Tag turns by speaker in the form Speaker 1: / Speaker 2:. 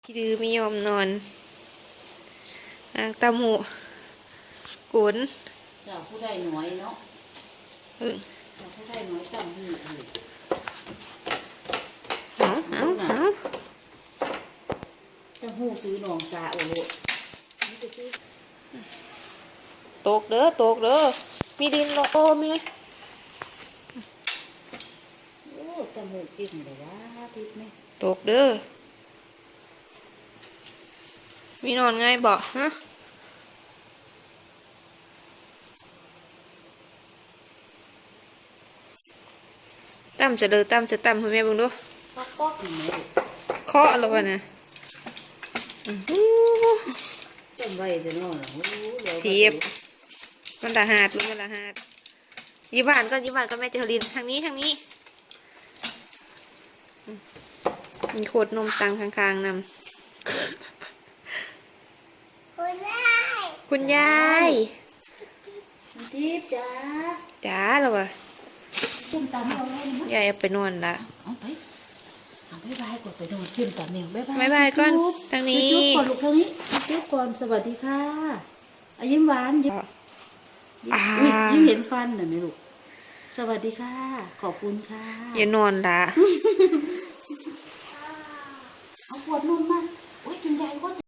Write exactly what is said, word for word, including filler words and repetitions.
Speaker 1: พี่ดื้อไม่ยอมนอนนางตาหมูกุน
Speaker 2: เจ้าผู้ใดน้อยเนาะ
Speaker 1: เออ
Speaker 2: เจ้าผู้ใดน้อยจำหูเลย
Speaker 1: เอาเอาเอา
Speaker 2: จำหูซื้อหนองสาโอ้โหนี่จะซื้อ
Speaker 1: ตกเด้อตกเด้อมีดินลงโอ้แม่
Speaker 2: โอ้จำหูกินเลยว่าทิพย์ไหม
Speaker 1: ตกเด้อมีนอนง่ายบ่ฮะตั้มจะเด้อตั้มจะตั้มให้แม่เบิ่งดู
Speaker 2: ก็ก็กินไหม
Speaker 1: เคาะแล้วป่ะนะ
Speaker 2: จำไว้เดี๋ยวน้อง
Speaker 1: เทียบมันละหาดลูกมันละหาดยี่บ้านก็ยี่บ้านก็แม่เจอรินทางนี้ทางนี้มีโคตรนมตังข้างๆนำ
Speaker 3: คุณยาย
Speaker 1: คุณยาย
Speaker 2: ทิพย์จ้า
Speaker 1: จ๋าแล้ววะ
Speaker 2: เส้นตาแมวเลยนะ
Speaker 1: ยายเอาไปนอนละ
Speaker 2: เอาไปเอาไปบายก่อนไปนอนเส้นตาแมวบายบาย
Speaker 1: บายบายก่อนทางนี้
Speaker 2: จุ๊บก่อนลูกทางนี้จุ๊บก่อนสวัสดีค่ะอายิ้มหวานยิ้มยิ้มเห็นฟันหน่อยไหมลูกสวัสดีค่ะขอบคุณค่ะ
Speaker 1: อย่านอนละ
Speaker 2: เอาขวดนมมาโอ้ยกินใหญ่ก็